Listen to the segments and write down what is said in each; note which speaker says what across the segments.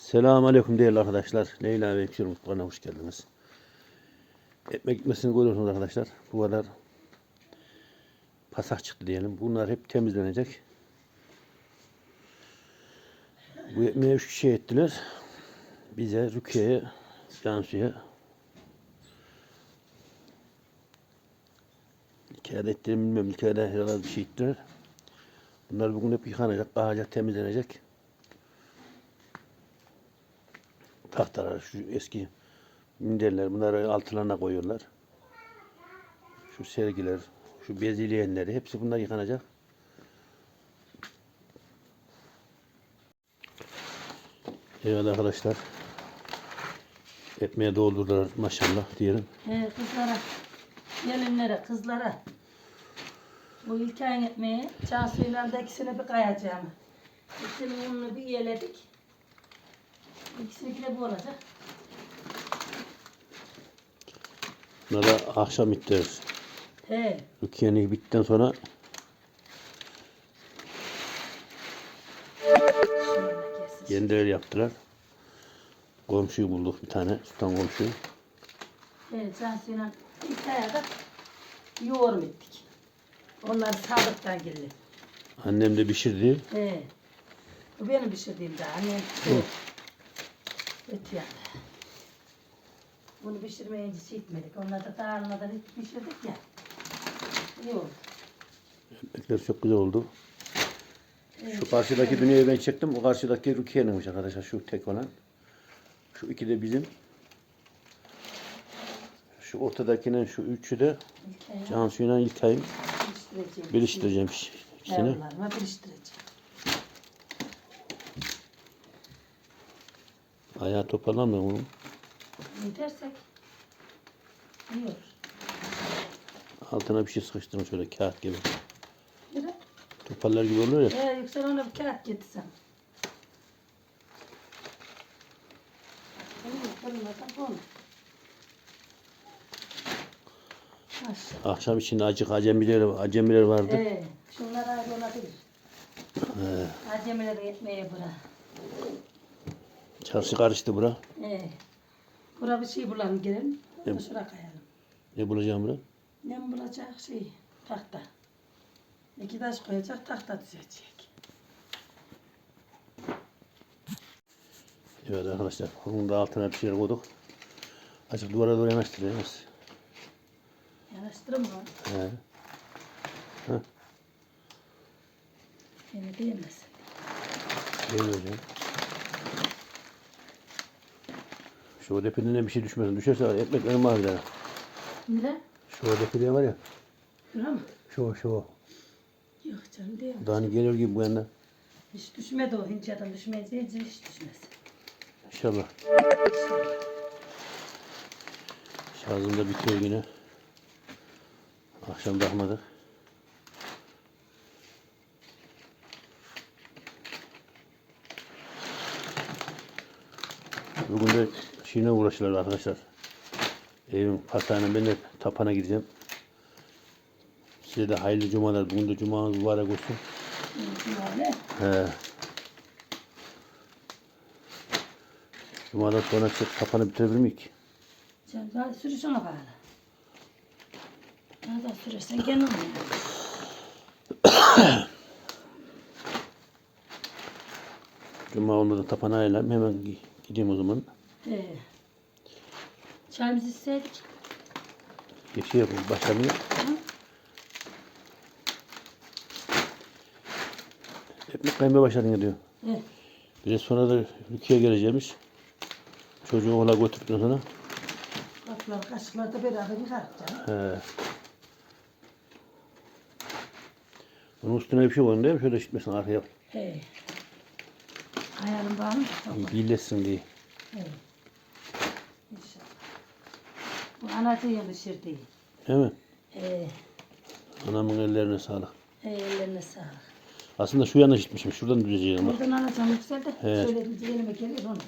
Speaker 1: Selamünaleyküm değerli arkadaşlar. Leyla ve Ekşir Mutfağı'na hoş geldiniz. Ekmek gitmesini görüyorsunuz arkadaşlar. Bu kadar pasak çıktı diyelim. Bunlar hep temizlenecek. Bu ekmeği 3 kişi ettiler. Bize, Rukiye'ye, Cansu'ya. Hikayede ettiğimi bilmiyorum. Hikayede herhalde bir şey ettiler. Bunlar bugün hep yıkanacak, kahacak, temizlenecek. Tahtalar, şu eski minderler, bunları altlarına koyuyorlar. Şu sergiler, şu bezleyenleri, hepsi bunlar yıkanacak. Evet arkadaşlar, ekmeğe doldurdular maşallah diyelim.
Speaker 2: Kızlara, gelinlere, kızlara. Bu ilk ayın ekmeği Cansu'yla da ikisini bir kayacağım. İkisinin ununu bir yeledik. İkisininki de bu olacak.
Speaker 1: Bunlara akşam ittiririz.
Speaker 2: He.
Speaker 1: Rukiye'nin bittikten sonra
Speaker 2: Şöyle kesin.
Speaker 1: kendileri yaptılar. Komşuyu bulduk bir tane, Sultan komşuyu.
Speaker 2: Evet, Cansu'yla ilk ayda yoğurum ettik. Onlar sağlıktan geldi.
Speaker 1: Annem de pişirdi.
Speaker 2: He. Bu benim pişirdiğim daha. Annem et yani. Bunu pişirmeyince şey etmedik. Onlar da dağılmadan hiç pişirdik ya. İyi oldu.
Speaker 1: Ekmekler çok güzel oldu. Şu karşıdaki dünyayı ben çektim. O karşıdaki Rukiye'ninmiş arkadaşlar. Şu tek olan. Şu iki de bizim. Şu ortadakinin şu üçü de Cansu'yla İlkay'ın. Birleştireceğim ikisini.
Speaker 2: Yavrularıma birleştireceğim.
Speaker 1: Ayağı toparlanmıyor mu?
Speaker 2: Yetersek iyi olur.
Speaker 1: Altına bir şey sıkıştırın şöyle kağıt gibi.
Speaker 2: Yürü.
Speaker 1: Toparlar gibi oluyor ya.
Speaker 2: Yüksel ona bir kağıt getirsen.
Speaker 1: Akşam içinde acık acemiler vardı.
Speaker 2: Şunlar ayrı olabilir. Acemileri etmeye bırak.
Speaker 1: Çarşı karıştı bura.
Speaker 2: Bura bir şey bulalım gelin.
Speaker 1: Evet.
Speaker 2: Şuraya kayalım.
Speaker 1: Ne bulacağım bura?
Speaker 2: Ne bulacak şey? Tahta. 2 taş koyacak, tahta düzecek.
Speaker 1: Evet arkadaşlar. Bunun da altına bir şeyler koyduk. Açık duvara doğru yanaştırıyoruz.
Speaker 2: Yanaştırın mı?
Speaker 1: He.
Speaker 2: Beni değmesin.
Speaker 1: Değmeyeceğim. Şu ödepinden bir şey düşmesin. Düşerse var. Ekmeklerim var bir tane.
Speaker 2: Nere?
Speaker 1: Şu ödepinden var ya.
Speaker 2: Şura mı?
Speaker 1: Şu.
Speaker 2: Yok canım değil mi?
Speaker 1: Daha hani geliyor gibi bu yandan.
Speaker 2: Hiç düşmedi o hincadan düşmeyince hiç düşmez.
Speaker 1: İnşallah. Şarjım da bitiyor yine. Akşam bakmadık. Bugün de şeyine uğraşıyorlar arkadaşlar. Evin patağına ben de tapana gideceğim. Size de hayırlı cumalar. Bugün de cumanız mübarek olsun.
Speaker 2: Öyle.
Speaker 1: He. Cumadan sonra tapanı bitirebilir miyim ki?
Speaker 2: Sen daha sürüsün o bağlı. Daha da sürersen gene olmuyor.
Speaker 1: Cuma olmadan tapana ayarlayayım. Hemen gideyim o zaman.
Speaker 2: Çayımızı içseydik.
Speaker 1: Şey yapayım. Başlamayayım. Ekmek kaymaya başladın diyor. Biraz sonra da Rukiye geleceğimiş. Çocuğu okula götürdükten sonra.
Speaker 2: Kapılar, kaşıklar da beraber yıkarız canım.
Speaker 1: He. Onun üstüne bir şey koyun değil mi? Şöyle gitmesin arkaya.
Speaker 2: Ayarım var mı?
Speaker 1: Birleşsin diye.
Speaker 2: İnşallah. Bu anacığın pişirdiği.
Speaker 1: Değil mi?
Speaker 2: He.
Speaker 1: Anamın ellerine sağlık.
Speaker 2: Ellerine sağlık.
Speaker 1: Aslında şu yana gitmişim. Şuradan düzeceğim bak.
Speaker 2: Buradan anacığım yükseldi.
Speaker 1: He.
Speaker 2: Söylediğince elime gelir onu.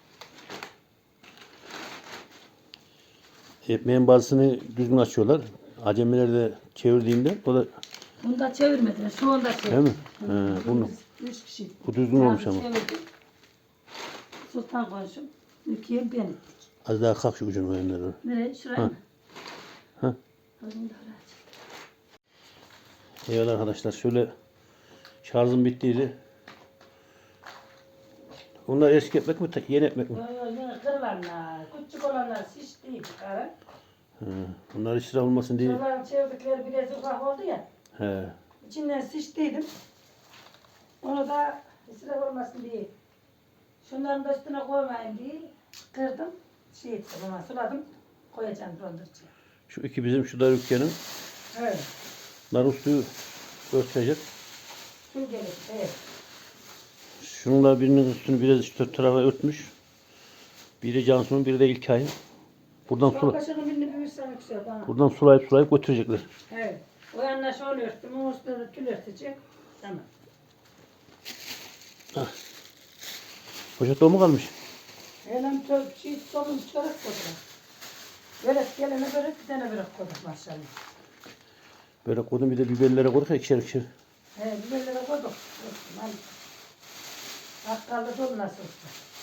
Speaker 1: Ekmeğin bazısını düzgün açıyorlar. Acemiler de çevirdiğimde o da
Speaker 2: Bunu da çevirmediler. Şu anda çevirdim.
Speaker 1: değil mi? He, bunu.
Speaker 2: 3 kişi.
Speaker 1: Bu düzgün olmuş ama.
Speaker 2: Çevirdim. Sultan komşum. Rukiye ben ettik.
Speaker 1: Az daha kalk şu ucunu oyanlara doğru.
Speaker 2: Nereye? Şuraya
Speaker 1: Ha.
Speaker 2: mı?
Speaker 1: Ha.
Speaker 2: Oğlum da oraya.
Speaker 1: Evet arkadaşlar şöyle şarjım bittiydi. Bunlar eski ekmek mi yeni ekmek mi?
Speaker 2: Yine kırılanlar, küçük olanlar şişti karı.
Speaker 1: Bunlar israf olmasın diye.
Speaker 2: Şuraların çevirdikleri biraz ufak oldu ya.
Speaker 1: He.
Speaker 2: İçinden şiştiydim. Onu da israf olmasın diye. Şunların da üstüne koymayayım diye kırdım. Şey ettim ama suladım. Koyacağım dondurucuya.
Speaker 1: Şu iki bizim şu da Rukiye'nin.
Speaker 2: Evet.
Speaker 1: Narın suyu örtecek.
Speaker 2: Su gelir. Evet.
Speaker 1: Şununla birinin üstünü biraz şu tarafa örtmüş. Biri Cansu'nun, biri de İlkay'ın.
Speaker 2: Çok kaşığını birini büyürsen yüksel bana.
Speaker 1: Buradan sulayıp götürecekler.
Speaker 2: Evet. O yanına şöyle örttüm. O üstüne de tül örtecek. Tamam.
Speaker 1: Poşet dolu mu kalmış?
Speaker 2: Elim solum çörek koydum. Börek gelene börek, bir tane börek koyduk maşallah.
Speaker 1: Böyle koydum bir de biberlere koyduk ya ikişer ikişer.
Speaker 2: He, biberlere koyduk. Dostum, hadi. Bakkalda dolu nasıl olsa.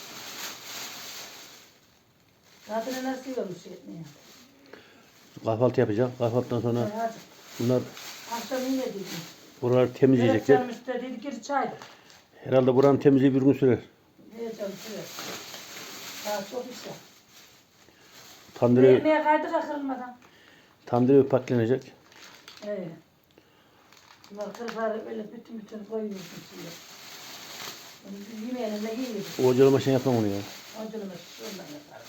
Speaker 2: Tadını nasıl yiyormuş etmeye?
Speaker 1: Kahvaltı yapacağım. Kahvaltıdan sonra
Speaker 2: Hadi.
Speaker 1: bunlar
Speaker 2: Akşam yine dedim.
Speaker 1: buraları
Speaker 2: Börek
Speaker 1: temizleyecekler.
Speaker 2: canım istedi, gir çay.
Speaker 1: Herhalde buranın temizliği bir gün sürer.
Speaker 2: Evet canım, şuraya. Daha çok iş var.
Speaker 1: Tandıra,
Speaker 2: Ekmeğe kaydık kırılmadan.
Speaker 1: tandıra paklanacak.
Speaker 2: Evet. Bunlar kırıkları öyle bütün koyuyorsun şimdi. Yemeğine yiyelim.
Speaker 1: O ocağıma şey yapmam onu ya.
Speaker 2: Acılımı şuradan yaparım.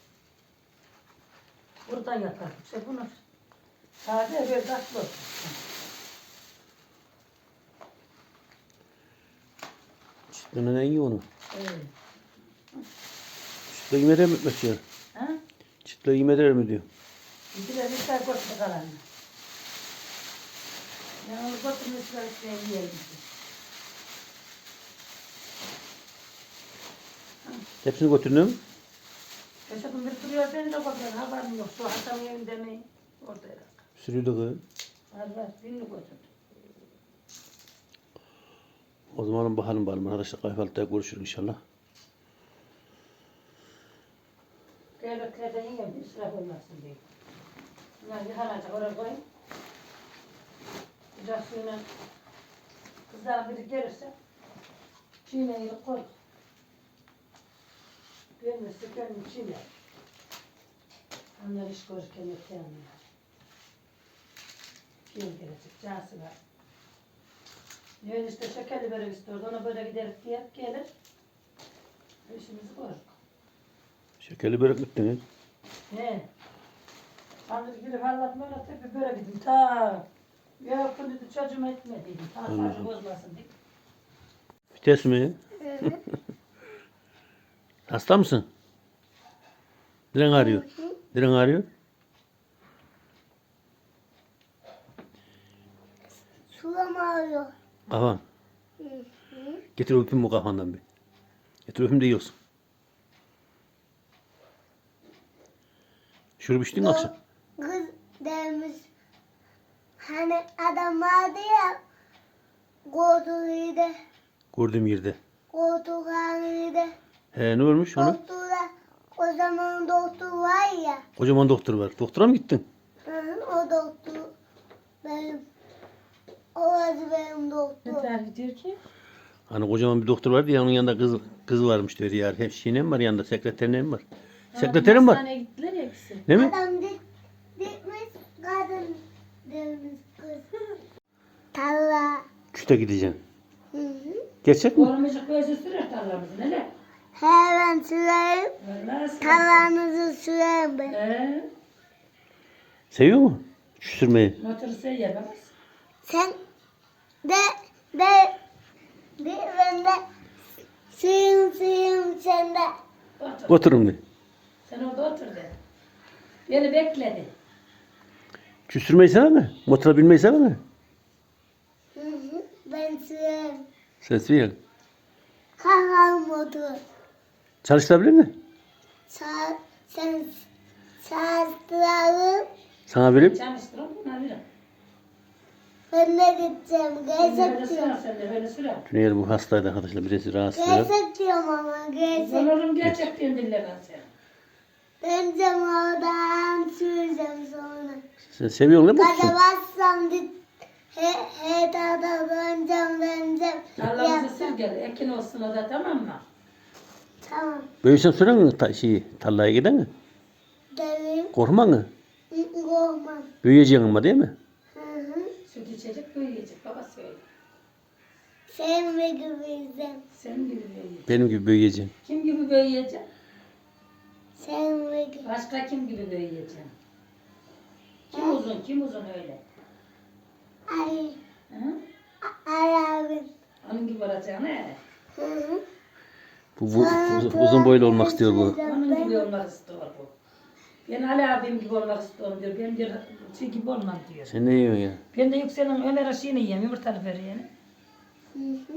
Speaker 2: Buradan yaparım. İşte bunu sade böyle tatlı olsun.
Speaker 1: Çıtlığına en iyi onu.
Speaker 2: Evet.
Speaker 1: Çıtlığı yemeder mi etmek diyor.
Speaker 2: Ha?
Speaker 1: Çıtlığı yemeder mi diyor.
Speaker 2: Bir ister götür kalanını. Ben onu götürmüşler işte yiyelim.
Speaker 1: Hepsini götürdün mü?
Speaker 2: Yaşadım bir duruyor beni de götürüyor. Haberim yok. Şu Hasan'ın evinde mi? Orada herhalde.
Speaker 1: Sürüydü kız.
Speaker 2: Var. Birini götürdüm.
Speaker 1: O zaman bakalım arkadaşlar. Kahvaltıda görüşürüz inşallah.
Speaker 2: Devletlerden yiyeyim. İsraf olmasın diye. Bunlar yıkanacak. Oraya koyayım. Sıcak suyla kızlar biri gelirse çiğneyi koy. Gelmezse kendim çiğne. Onlar iş görürken yok yanmıyor. Kim gelecek? Cansı var. Yön işte şekerli börek istiyordu. Ona böyle giderip diye gelir. İşimizi görürük.
Speaker 1: Şekerli börek mi ettiniz?
Speaker 2: He. Andır girip anlatma öyle tepe börek dedim. Ta. Yok dedi çocuğuma etmediydim. Ta sadece bozmasın diye.
Speaker 1: Vites mi? Hasta mısın? Diren ağrıyor. Diren ağrıyor.
Speaker 3: Sulam ağrıyor.
Speaker 1: Kafan. Getir öpeyim bu kafandan bir. Getir öpeyim de yiyorsun. Şurup içtin mi akşam?
Speaker 3: Kız demiş. Hani adam vardı ya. Koltuğuydu.
Speaker 1: Gördüğüm yerde.
Speaker 3: Koltuğuydu.
Speaker 1: He ne olmuş ona?
Speaker 3: Doktora o zaman doktor var ya.
Speaker 1: Kocaman doktor var. Doktora mı gittin?
Speaker 3: O doktor benim. Orası benim doktor.
Speaker 2: Neler diyor ki?
Speaker 1: Hani kocaman bir doktor vardı ya onun yanında kız varmış diyor ya. Hem şeyine mi var yanında sekreterine mi var? Sekreterim var.
Speaker 2: Hastaneye gittiler ya ikisi.
Speaker 1: Değil mi?
Speaker 3: Adam dikmiş kadın demiş kız. Talla.
Speaker 1: Çüte gideceksin.
Speaker 3: Hı hı.
Speaker 1: Gerçek mi?
Speaker 2: Olmayacak böyle sürer tarlamızı neler?
Speaker 3: Hemen süreyim.
Speaker 2: Nasıl?
Speaker 3: Tarlanızı süreyim ben.
Speaker 1: Seviyor mu? Şu sürmeyi.
Speaker 2: Motoru sen yapamaz.
Speaker 3: Sen de ben de suyum sen de.
Speaker 2: Otur.
Speaker 1: Oturun bir.
Speaker 2: Sen orada otur de. Beni bekledi.
Speaker 1: Şu sürmeyi sever mi? Motora binmeyi sever mi?
Speaker 3: Hı hı, ben süreyim.
Speaker 1: Sen sürüyorsun.
Speaker 3: Kalkalım otur.
Speaker 1: Çalıştırabilir mi?
Speaker 3: Sen sağlıklı.
Speaker 1: Sana vereyim.
Speaker 2: Çalıştırın buna verin.
Speaker 3: Ben de gideceğim.
Speaker 2: Sen de böyle
Speaker 3: Gezek
Speaker 2: sürer,
Speaker 3: diyorum.
Speaker 2: sen de böyle sürer.
Speaker 1: Tüneyel bu hastaydı arkadaşlar. Birisi rahatsız biraz.
Speaker 3: Gezek diyorum ama gezek.
Speaker 2: Olurum gerçek diyen dillerden sen.
Speaker 3: Döneceğim oradan süreceğim sonra.
Speaker 1: Sen seviyorsun değil mi?
Speaker 3: Gaza bassam he dada döneceğim.
Speaker 2: Tarlamızı sür gel. Ekin olsun o da, tamam mı?
Speaker 3: Tamam.
Speaker 1: Böylesen süren mi tarlaya giden mi?
Speaker 3: Dedim.
Speaker 1: Korkma mı?
Speaker 3: Korkmam.
Speaker 1: Büyüyeceksin ama değil mi?
Speaker 3: Hı hı.
Speaker 2: Süt içecek, büyüyecek. Baba söyle.
Speaker 3: Sen ve gibiyim.
Speaker 2: Senin gibi büyüyecek.
Speaker 1: Benim gibi büyüyeceksin.
Speaker 2: Kim gibi büyüyecek?
Speaker 3: Sen ve gibi.
Speaker 2: Başka kim gibi büyüyecek? Kim uzun öyle?
Speaker 3: Ali.
Speaker 2: Hı?
Speaker 3: Ali abi.
Speaker 2: Onun gibi olacaksın he.
Speaker 3: Hı hı.
Speaker 1: Bu uzun boylu olmak istiyor bu.
Speaker 2: Onun gibi olmak istiyor bu. Ben Ali abim gibi olmak istiyorum diyor. Ben diyor şey gibi olmam diyor.
Speaker 1: Sen ne yiyorsun ya?
Speaker 2: Ben de Yüksel'in Ömer aşığını yiyeyim. Yumurtalı böreğini.
Speaker 3: Hı hı.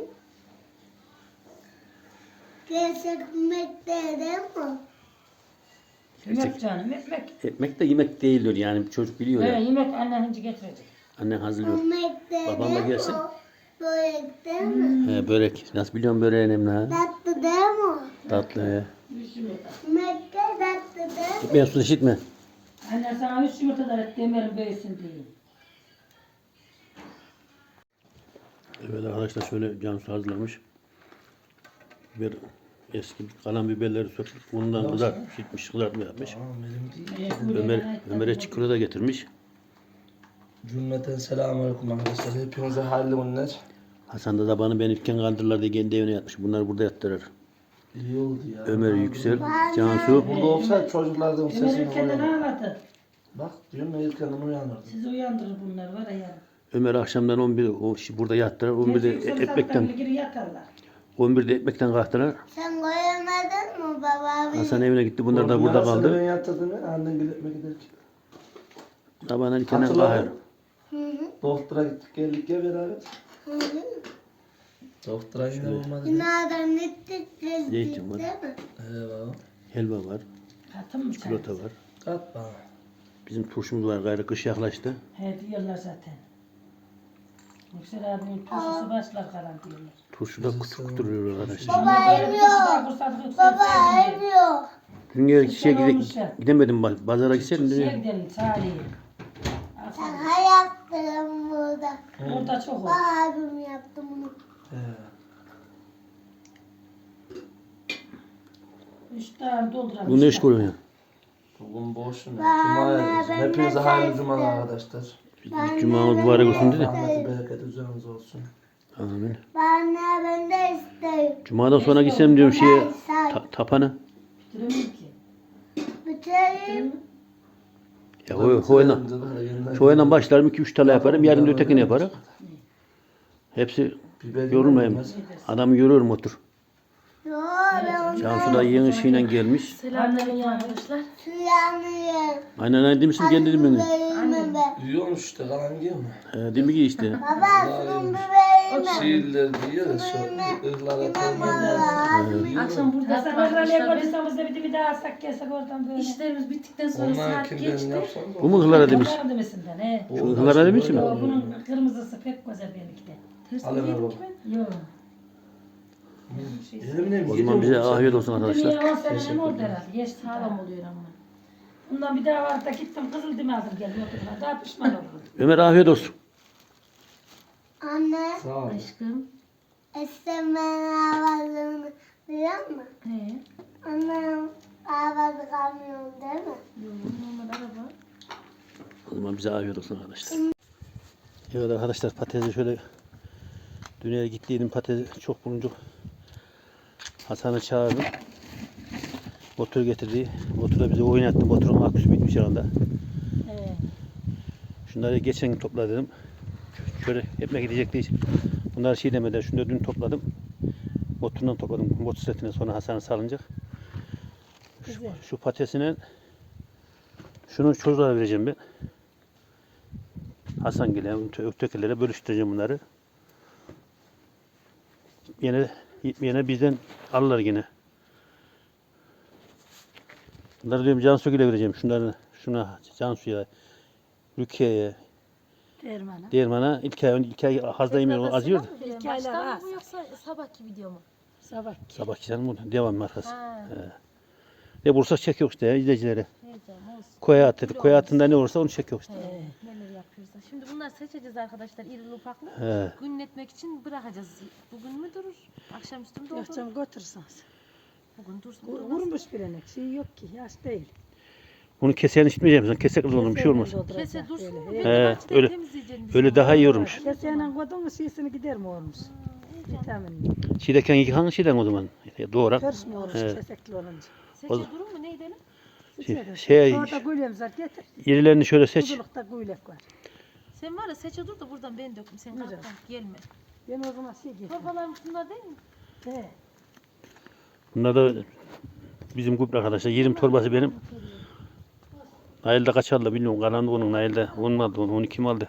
Speaker 3: Gezekmek dedim mi?
Speaker 2: Yemek canım, ekmek.
Speaker 1: Ekmek de yemek değildir yani çocuk biliyor ya.
Speaker 2: Yemek annen hinci getirecek.
Speaker 1: Annen hazırlıyor.
Speaker 3: Yemek dedim
Speaker 1: Babam da gelsin.
Speaker 3: Börek değil mi?
Speaker 1: He, börek. Nasıl biliyorsun böreği Emine ha?
Speaker 3: Tatlı değil mi?
Speaker 1: Tatlı he.
Speaker 2: Üç yumurta.
Speaker 3: Yemek de tatlı değil mi?
Speaker 1: Gitmeyen su işitme.
Speaker 2: Annen sana 3 yumurta da et Ömer'in büyüsün diye.
Speaker 1: Evet arkadaşlar şöyle Cansu hazırlamış. Biber, eski kalan biberleri söküp bundan kızartmış, kızartma yapmış. Ömer'e çikolata da getirmiş.
Speaker 4: Cümleten selamünaleyküm arkadaşlar. Hepinize hayırlı günler.
Speaker 1: Hasan da tabanı ben ilken kaldırırlar diye kendi evine yatmış. Bunlar burada yattırır.
Speaker 4: İyi oldu ya.
Speaker 1: Ömer Yüksel, Cansu.
Speaker 4: Burada olsaydı çocuklardan
Speaker 2: Ömer
Speaker 4: sesini
Speaker 2: ülkeden
Speaker 4: uyanır.
Speaker 2: ağladı.
Speaker 4: Bak diyorum ya ilk yanım uyanırdı.
Speaker 2: Sizi uyandırır bunlar var ya.
Speaker 1: Ömer akşamdan 11 burada yattırar. 11'de ekmekten
Speaker 2: Geri yatarlar.
Speaker 1: 11'de ekmekten kalktılar.
Speaker 3: Sen koyamadın mı baba abi?
Speaker 1: Hasan evine gitti. Bunlar da burada
Speaker 4: Ben
Speaker 1: kaldı.
Speaker 4: yatırdım ya annen gitmek giderken.
Speaker 1: Tabanın ilkenden
Speaker 4: Hatırladın
Speaker 1: kahır.
Speaker 4: mı?
Speaker 3: Hı hı.
Speaker 4: Doktora gittik geldik ya beraber.
Speaker 3: Hı hı.
Speaker 4: Doktora yine olmadı.
Speaker 3: Günaydın gittik
Speaker 1: Zeytin
Speaker 3: gezdik
Speaker 1: var.
Speaker 3: değil mi?
Speaker 4: Eyvallah.
Speaker 1: Helva var.
Speaker 2: Katın mı
Speaker 1: Çikolata var.
Speaker 4: Kat bana.
Speaker 1: Bizim turşumuz var. Gayrı kış yaklaştı.
Speaker 2: He diyorlar zaten. Yüksel abimin turşusu başlar kalan diyorlar.
Speaker 1: Turşu da küçük duruyor arkadaşlar.
Speaker 3: Baba emiyor. Baba emiyor.
Speaker 1: Dün gece
Speaker 2: Güzel olmuş ya.
Speaker 1: gidemedim. Pazara gitseydim.
Speaker 2: Şeye
Speaker 1: Dün
Speaker 2: gidelim Salih'e.
Speaker 3: Sen hayattın burada.
Speaker 2: Orada çok oldu.
Speaker 3: Baba abim yaptı bunu.
Speaker 4: He.
Speaker 2: 3 tane dolduralım.
Speaker 1: bu ne iş koyuyorsun ya?
Speaker 4: Bugün boşum ya.
Speaker 3: Ben
Speaker 4: Cuma'ya
Speaker 3: de
Speaker 4: hepinize hayırlı
Speaker 3: sen
Speaker 4: cumalar
Speaker 3: iste.
Speaker 4: arkadaşlar.
Speaker 1: Cuma'mız mübarek olsun dedi.
Speaker 4: Rahmeti bereket üzerinize olsun.
Speaker 1: Amin.
Speaker 3: Ben de isterim.
Speaker 1: Cuma'dan sonra gitsem diyorum şeye tapana.
Speaker 2: Bitiremem ki.
Speaker 3: Bitireyim.
Speaker 1: Ya şu oyundan başlarım 2-3 tane yaparım. Yarın da ötekini yaparım. Hepsi yorulmayayım. Adamı yoruyorum otur.
Speaker 3: Yo ben
Speaker 1: Cansu da yeni şeyle gelmiş.
Speaker 2: Selamünaleyküm arkadaşlar.
Speaker 3: suyanıyorum.
Speaker 1: Aynen aynen demişsin kendi değil mi?
Speaker 3: Biberimi ver.
Speaker 4: Yiyormuş işte kalan yiyor mu?
Speaker 1: Değil mi ki işte?
Speaker 3: Baba şunun biberimi ver.
Speaker 4: Şiirler diyor ya şu ıhlara koymalar.
Speaker 5: Akşam burada
Speaker 2: Hasan
Speaker 5: yattık
Speaker 2: Ömer'le
Speaker 5: arkadaşlar. Biz
Speaker 2: koyduysanız da bir daha alsak gelsek oradan böyle.
Speaker 5: işlerimiz bittikten sonra
Speaker 4: Onlar
Speaker 5: saat
Speaker 4: kimden
Speaker 5: geçti.
Speaker 4: yapsanız
Speaker 1: Bu mu hılara demiş?
Speaker 2: Bunlar demesinden he.
Speaker 1: Şu hılara demiş mi?
Speaker 2: Yo, bunun kırmızısı pek güzel benimki de.
Speaker 5: Tersine
Speaker 4: Al Ömer
Speaker 5: yedik
Speaker 4: baba.
Speaker 5: ki ben.
Speaker 2: Yok.
Speaker 4: Elimle mi
Speaker 1: O zaman bize afiyet olsun arkadaşlar.
Speaker 2: Dünya 10 sene oldu herhalde. Geçti
Speaker 5: Sağlam
Speaker 2: tamam.
Speaker 5: oluyor ama.
Speaker 2: Bundan bir daha var da gittim Kızıldem'e aldım geldim oturma. Daha pişman oldum.
Speaker 1: Ömer afiyet olsun.
Speaker 3: Anne,
Speaker 4: Sağ ol.
Speaker 5: Aşkım.
Speaker 3: istemeyen avazını biliyor musun?
Speaker 5: He.
Speaker 3: Annem avazı kamyon değil mi?
Speaker 5: Yok, normal araba.
Speaker 1: O zaman bize afiyet olsun arkadaşlar. Evet arkadaşlar patatesi şöyle dünyaya gittiydim patatesi çok bulunca Hasan'ı çağırdım. Motor getirdi. Motora bize oynattı. Motorun aküsü bitmiş anda. Şunları geçen gün topladım. Şöyle ekmek gidecekti. Bunları şey demeden şunları dün topladım. Motorundan topladım. Motosikletine sonra Hasan'ı salınacak. Şu patatesine şunu çocuklara vereceğim ben. Hasan gele, ötekilere bölüştüreceğim bunları. Yine bizden alırlar yine. Bunları diyorum Cansu'ya vereceğim. Şunları şuna Cansu'ya, Rukiye'ye,
Speaker 2: Derman'a.
Speaker 1: Değirmana ilk ay hazda yemiyor azıyor da.
Speaker 2: İlk
Speaker 5: Baştan
Speaker 2: aylar
Speaker 5: mı
Speaker 2: az.
Speaker 5: bu yoksa sabahki video mu?
Speaker 2: Sabah.
Speaker 1: Sabah canım bu devam markası.
Speaker 5: Ha.
Speaker 1: Ne bulursak çekiyor işte ya, izleyicilere.
Speaker 5: Heyecan olsun.
Speaker 1: Koya attık. Koya attığında ne olursa onu çekiyor işte.
Speaker 5: Neler yapıyoruz da. Şimdi bunlar seçeceğiz arkadaşlar irili ufaklı.
Speaker 1: He.
Speaker 5: Günletmek için bırakacağız. Bugün mü durur? Akşamüstü mü
Speaker 2: Yok
Speaker 5: durur?
Speaker 2: canım götürürsünüz.
Speaker 5: Bugün dursun. durmaz.
Speaker 2: Vurmuş bilenek. Şey yok ki. Yaş değil.
Speaker 1: Bunu keseyen içmeyeceğim. Kesek olur bir şey olmaz.
Speaker 5: Kese dursun mu?
Speaker 2: Öyle.
Speaker 5: Ben de bahçeden
Speaker 1: öyle-
Speaker 5: temizleyeceğim.
Speaker 1: Öyle daha iyi olmuş.
Speaker 2: Keseyle koydun mu şeysini gider mi olmuş? Vitaminli.
Speaker 1: Çiğdeken yıkan şeyden o zaman. Doğrak.
Speaker 2: Karışmıyor olmuş
Speaker 1: He.
Speaker 2: kesekli olunca.
Speaker 5: Seçe durur mu? Neydi lan?
Speaker 2: Orada güylemiz var getir.
Speaker 1: irilerini şöyle seç.
Speaker 2: Kuzulukta güylek var.
Speaker 5: Sen var ya seçe dur da buradan ben döküm. Sen
Speaker 2: Güzel.
Speaker 5: kalk kalk gelme.
Speaker 2: Ben o zaman şey getirdim.
Speaker 5: Torbalarım bunlar değil mi?
Speaker 2: He.
Speaker 1: Bunlar da bizim grup arkadaşlar. 20 torbası benim. Nail'de kaç aldı bilmiyorum. Karanlık onun Nail'de. 10 mu aldı? 12 kim aldı?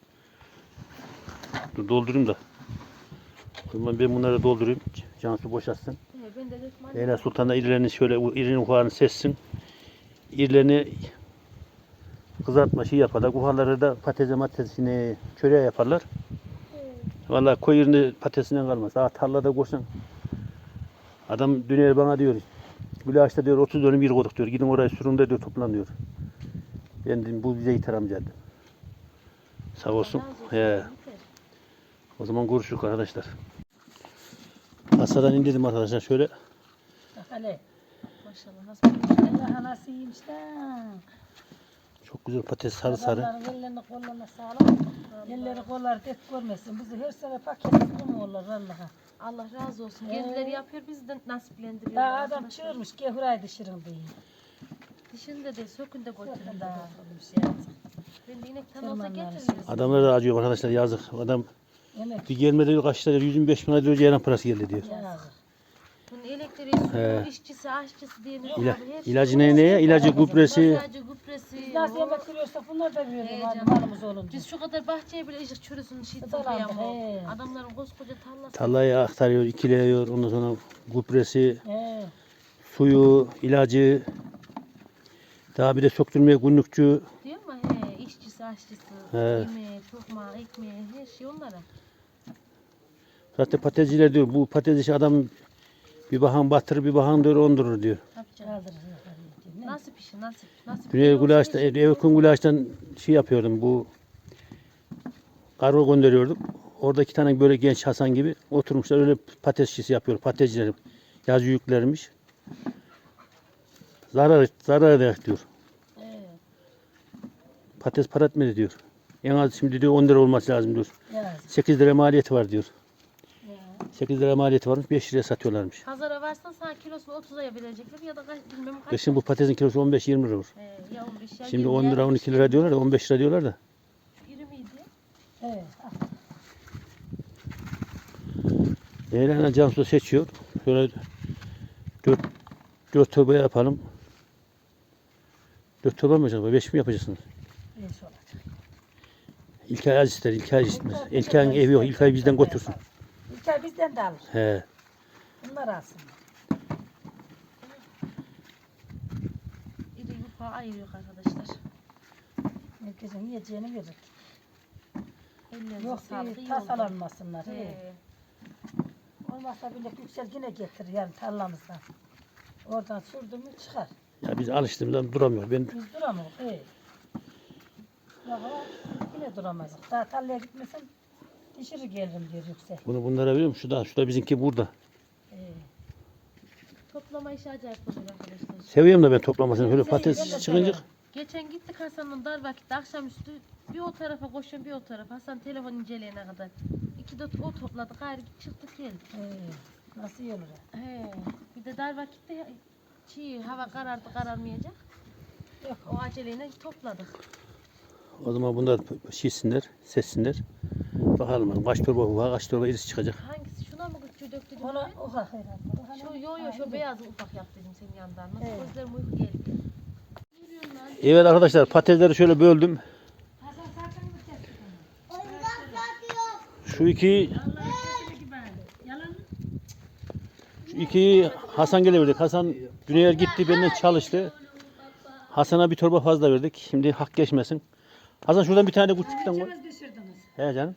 Speaker 1: Dur doldurayım da. O zaman ben bunları doldurayım. Cansu boşaltsın.
Speaker 5: Ben de dökmem.
Speaker 1: Leyla Sultan da irilerini şöyle irinin ufağını sessin. İrilerini kızartma şey yaparlar. Ufaları da patatesini çöreğe yaparlar. Vallahi koy irini patatesinden kalmaz. Daha tarlada koşsan. Adam dün bana diyor. Gülaş'ta diyor 30 dönüm bir koyduk diyor. Gidin oraya sürün de diyor toplan diyor. Ben dedim bu bize yeter amca dedim. Sağ olsun. He. O zaman görüşürüz arkadaşlar. Hasadan indirdim arkadaşlar şöyle.
Speaker 2: Bak hele.
Speaker 5: Maşallah nasıl
Speaker 2: Allah anasıymış da.
Speaker 1: Çok güzel patates sarı sarı.
Speaker 2: Adamların ellerini kollarına sağlam. Elleri kolları dert görmesin. Bizi her sene paketli mi olur Allah'a.
Speaker 5: Allah razı olsun. Kendileri yapıyor biz de nasiplendiriyoruz.
Speaker 2: Daha adam
Speaker 5: arkadaşlar.
Speaker 2: çığırmış ki hurayı dışırın diye.
Speaker 5: Dişinde de sökün de götürün
Speaker 2: Daha
Speaker 5: daha.
Speaker 2: olmuş ya.
Speaker 5: Ben de inekten olsa
Speaker 2: Tırmanlar
Speaker 5: getiririz.
Speaker 1: Adamlar da acıyor arkadaşlar yazık. Adam
Speaker 2: Yemek
Speaker 1: bir gelmedi diyor kaç lira diyor 125 bin lira diyor ceylan parası geldi diyor.
Speaker 2: yazık.
Speaker 5: Bunun elektriği, suyu, işçisi, aşçısı diye ne
Speaker 1: İla,
Speaker 5: var?
Speaker 1: ilacı neye? İlacı, gübresi.
Speaker 5: İlacı, gübresi.
Speaker 2: Biz nasıl yemek veriyorsak bunlar da veriyor.
Speaker 5: He,
Speaker 2: Malımız olunca.
Speaker 5: Biz şu kadar bahçeye bile ışık çürüsün şey
Speaker 2: Tabii,
Speaker 5: toplayamıyor.
Speaker 2: he.
Speaker 5: Adamların koskoca tarlası.
Speaker 1: Tarlayı aktarıyor, ikiliyor. Ondan sonra gübresi,
Speaker 2: He.
Speaker 1: suyu, ilacı. Daha bir de söktürmeye günlükçü.
Speaker 5: Diyor mu? He, işçisi, aşçısı,
Speaker 1: He.
Speaker 5: yemeği, tokmağı, ekmeği, her şey onlara.
Speaker 1: Zaten patatesciler diyor bu patates işi adam bir bahan batırır bir bahan diyor ondurur diyor.
Speaker 5: Yapacak.
Speaker 2: Kaldırır.
Speaker 5: Nasip işi, nasip. Nasip.
Speaker 1: Güney Gülaş'ta, Evkun Gülaş'tan şey yapıyordum bu kargo gönderiyorduk. Orada 2 tane böyle genç Hasan gibi oturmuşlar öyle patates işçisi yapıyor. Patatesciler yazı yüklermiş. Zarar eder diyor.
Speaker 2: He.
Speaker 1: Patates para etmedi diyor. En az şimdi diyor 10 lira olması lazım diyor.
Speaker 2: Yazık.
Speaker 1: 8 lira maliyeti var diyor.
Speaker 2: Ya.
Speaker 1: 8 lira maliyeti varmış 5 liraya satıyorlarmış.
Speaker 5: Pazara varsan sana kilosunu 30'a verecekler ya da bilmem kaç.
Speaker 1: Kışın bu patatesin kilosu 15-20 lira olur.
Speaker 5: Ya 15 ya
Speaker 1: Şimdi
Speaker 5: 20
Speaker 1: 10
Speaker 5: ya
Speaker 1: lira 12 lira diyorlar da 15 lira diyorlar da.
Speaker 5: İri miydi?
Speaker 2: He.
Speaker 1: Leyla'yla Cansu seçiyor. Şöyle 4 torba yapalım. 4 torba mı acaba? 5 mi yapacaksınız?
Speaker 2: Beş olacak.
Speaker 1: İlkay az ister, İlkay istmez. İlkay'ın evi yok, İlkay bizden götürsün.
Speaker 2: İlkay bizden de alır.
Speaker 1: He.
Speaker 2: Bunlar alsın.
Speaker 5: İri yufağı ayırıyor arkadaşlar.
Speaker 2: Herkesin yiyeceğini verir.
Speaker 5: Ellerinize
Speaker 2: Yok
Speaker 5: sağlık.
Speaker 2: değil,
Speaker 5: iyi oldu.
Speaker 2: tasalanmasınlar. He.
Speaker 5: He.
Speaker 2: Olmazsa bile yüksel yine getirir yani tarlamızdan. Oradan sürdü mü çıkar.
Speaker 1: Ya biz alıştığımızdan duramıyor. Ben
Speaker 2: Biz duramayız. He. Yok ama yine duramazdık. Daha tarlaya gitmesem dişiri gelirim diyor yüksel.
Speaker 1: bunlara veriyor musun? Şu da bizimki burada.
Speaker 2: He.
Speaker 5: Toplama işi acayip oluyor arkadaşlar.
Speaker 1: Seviyorum da ben toplamasını. Böyle
Speaker 2: Ben de
Speaker 1: patates çıkınca
Speaker 2: severim.
Speaker 5: Geçen gittik Hasan'ın dar vakitte akşamüstü bir o tarafa koşuyorum bir o tarafa. Hasan telefon inceleyene kadar. İki de o topladık gayrı çıktık geldik.
Speaker 2: He. Nasıl iyi olur?
Speaker 5: He. Bir de dar vakitte hava karardı kararmayacak.
Speaker 2: Yok.
Speaker 5: O aceleyle topladık.
Speaker 1: o zaman bunlar şişsinler, sessinler. Bakalım kaç torba var, kaç torba irisi çıkacak.
Speaker 5: Hangisi? Şuna mı küçüğü döktüydün?
Speaker 2: Ona oha herhalde.
Speaker 5: Şu yo şu beyazı ufak yaptıydım senin yanından. Nasıl
Speaker 2: Evet.
Speaker 5: gözlerim uyku geldi.
Speaker 1: Evet arkadaşlar patatesleri şöyle böldüm. Şu iki Hasan geleverdik. Hasan Güney'e gitti benden çalıştı. Hasan'a bir torba fazla verdik. Şimdi hak geçmesin. Hasan şuradan bir tane de küçükten koy.
Speaker 2: İçimiz pişirdiniz.
Speaker 1: He canım.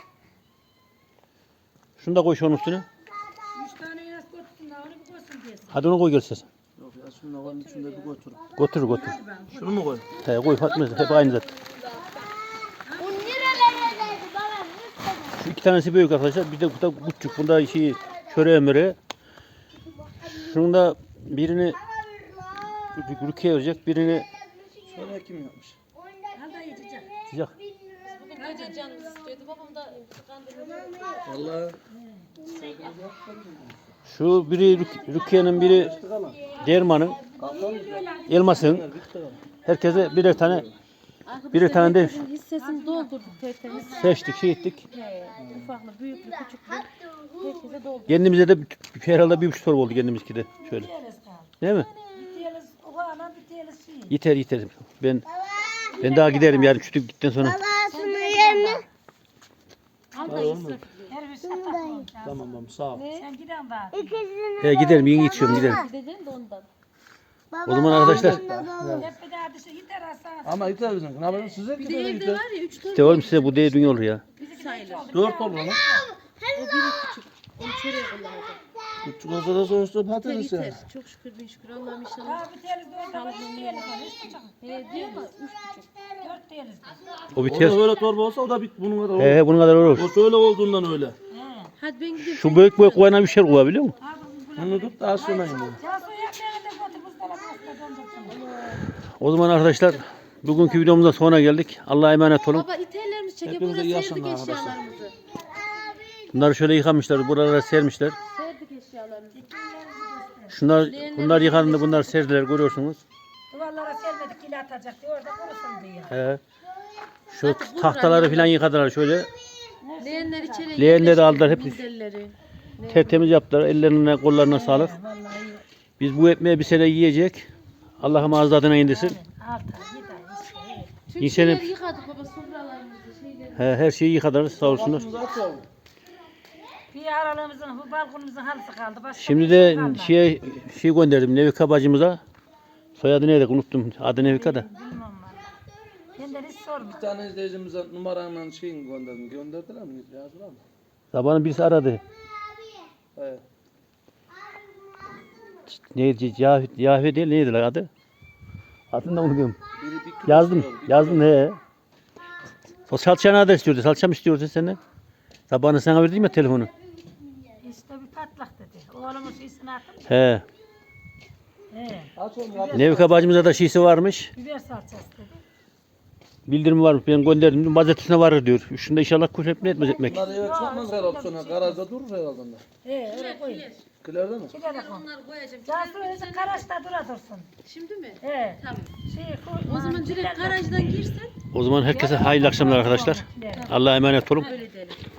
Speaker 1: Şunu da koy şunun üstüne.
Speaker 2: 3 tane yaz koysun da onu bir koysun diyesin.
Speaker 1: Hadi onu koy gelsin.
Speaker 4: Yok ya şunu onun içinde bir götür.
Speaker 1: Götür götür.
Speaker 4: Şunu mu koy?
Speaker 1: He koy Fatma hep aynı zaten.
Speaker 3: Bu nerelere geldi babam? Lütfen.
Speaker 1: Şu iki tanesi büyük arkadaşlar. Bir de bu da küçük. Bunda şey çöreğe möreğe. Şunun da birini Rukiye verecek. Birini
Speaker 4: Şöyle kim yapmış?
Speaker 2: Al da yiyecek.
Speaker 1: sıcak.
Speaker 5: Bugün gece canımız istiyordu. Babam da kandırdı.
Speaker 4: Vallahi
Speaker 1: Şu biri Rukiye'nin biri Derman'ın Elmas'ın. Herkese birer tane birer tane de
Speaker 5: Hissesini doldurduk tertemiz.
Speaker 1: seçtik, şey ettik.
Speaker 5: He, ufaklı, büyüklü, küçüklü. Herkese doldurduk.
Speaker 1: Kendimize de herhalde 1,5 torba oldu kendimizki de şöyle.
Speaker 2: Tiyeliz kaldı.
Speaker 1: Değil mi?
Speaker 2: Bir tiyeliz ufağına bir tiyeliz şey.
Speaker 1: Yeter yeter. Ben daha giderim yarın şu gittikten sonra.
Speaker 3: Baba şunu yerine.
Speaker 5: Al da israf.
Speaker 2: Her bir şey takmam.
Speaker 4: tamam tamam sağ ol.
Speaker 2: Sen giden daha.
Speaker 3: İkisini.
Speaker 1: He giderim yeni içiyorum giderim.
Speaker 5: Gideceğim de ondan.
Speaker 1: O zaman arkadaşlar
Speaker 2: Hep bir daha dışı yeter Hasan.
Speaker 4: Ama yeter bizim. Ne yapalım size
Speaker 5: Bir de
Speaker 4: gider
Speaker 5: evde
Speaker 4: yeter.
Speaker 5: var ya 3 tane
Speaker 1: işte oğlum size bu değil dünya olur ya.
Speaker 5: sayılır.
Speaker 4: 4 olur lan.
Speaker 5: O biri küçük. Onu çöreğe kullanacak.
Speaker 4: Küçük olsa da sonuçta
Speaker 5: Yeter
Speaker 4: patates ya.
Speaker 5: yeter. Çok şükür bin şükür. Allah'ım inşallah.
Speaker 2: Daha bir tiyeliz de orada var. 3 tiyeliz var. 3 buçuk.
Speaker 5: He diyor mu? 3,5.
Speaker 2: 4 tiyeliz var.
Speaker 1: O
Speaker 4: O
Speaker 1: biter.
Speaker 4: da böyle torba olsa o da bunun kadar olur.
Speaker 1: He bunun kadar olur.
Speaker 4: O şöyle olduğundan öyle.
Speaker 2: He.
Speaker 5: Hadi ben gideyim.
Speaker 1: Şu büyük büyük koyana bir şey koy biliyor musun?
Speaker 2: Ha bu
Speaker 4: Bunu tut da aşağıya inin.
Speaker 2: Cansu ekmeğini de götür buzdolabına döndürsün.
Speaker 1: O zaman arkadaşlar bugünkü videomuzda sonuna geldik. Allah'a emanet olun.
Speaker 5: Baba itellerimizi çekip
Speaker 4: Hepinize
Speaker 5: buraya
Speaker 4: iyi
Speaker 5: serdik
Speaker 4: akşamlar arkadaşlar.
Speaker 5: eşyalarımızı.
Speaker 1: Bunları şöyle yıkamışlar. Buralara sermişler.
Speaker 5: Serdik eşyalarımızı.
Speaker 1: Bunlar yıkandı. Bunlar serdiler görüyorsunuz.
Speaker 2: Duvarlara sermedik kili atacak diye orada kurusun diye.
Speaker 1: He. Şu tahtaları falan yıkadılar şöyle.
Speaker 5: Leğenler içeri.
Speaker 1: Leğenleri de aldılar hep.
Speaker 5: Minderleri.
Speaker 1: Tertemiz yaptılar. Ellerine kollarına sağlık.
Speaker 2: Vallahi iyi.
Speaker 1: Biz bu ekmeği bir sene yiyecek. Allah'ım ağız tadına indirsin.
Speaker 2: 6 ay 7 ay işte. Evet.
Speaker 5: Tüm
Speaker 1: İnsanın-
Speaker 5: şeyleri yıkadık baba sofralarımızı şeyleri.
Speaker 1: Her şeyi yıkadılar sağ olsunlar.
Speaker 2: Bir aralığımızın, bu balkonumuzun halısı kaldı. Başka
Speaker 1: Şimdi
Speaker 2: bir
Speaker 1: de
Speaker 2: şey kalmadı.
Speaker 1: şey gönderdim Nevika bacımıza. Soyadı neydi unuttum. Adı Nevika da.
Speaker 2: Bilmem valla. Benden hiç sorma.
Speaker 4: Bir tane izleyicimize numaranla şeyini gönderdim. Gönderdiler mi? Yazdılar mı?
Speaker 1: Sabahın birisi aradı.
Speaker 4: Evet.
Speaker 1: Neydi? Yahve değil neydi lan adı? Adını da unutuyorum.
Speaker 4: Biri bir kilo
Speaker 1: Yazdım.
Speaker 4: istiyor, bir
Speaker 1: Yazdım
Speaker 4: kilo.
Speaker 1: he. O salçanı da istiyordu. Salçam istiyordu senden. Sabahını sana verdim ya telefonu.
Speaker 2: İşte bir patlak dedi. Oğlumun şeysini attım.
Speaker 1: He.
Speaker 2: He.
Speaker 4: Aç oğlum aç.
Speaker 1: Nevika bacımıza da şeysi varmış.
Speaker 2: Biber salçası dedi.
Speaker 1: Bildirimi varmış. Ben gönderdim. Pazartesine varır diyor. Şunda inşallah kuş hep ne etmez ekmek.
Speaker 4: Bunlar eve çıkmaz herhalde sonra. Garajda durur herhalde onlar.
Speaker 2: He öyle koy.
Speaker 4: Kilerde mi?
Speaker 2: Kile de koy.
Speaker 5: Onları koyacağım.
Speaker 2: Cansu öyle karaşta dura dursun.
Speaker 5: Şimdi mi?
Speaker 2: He.
Speaker 5: Tamam.
Speaker 2: Şey koy.
Speaker 5: O zaman direkt garajdan girsen
Speaker 1: O zaman herkese hayırlı akşamlar arkadaşlar. Allah'a emanet olun.
Speaker 5: öyle diyelim.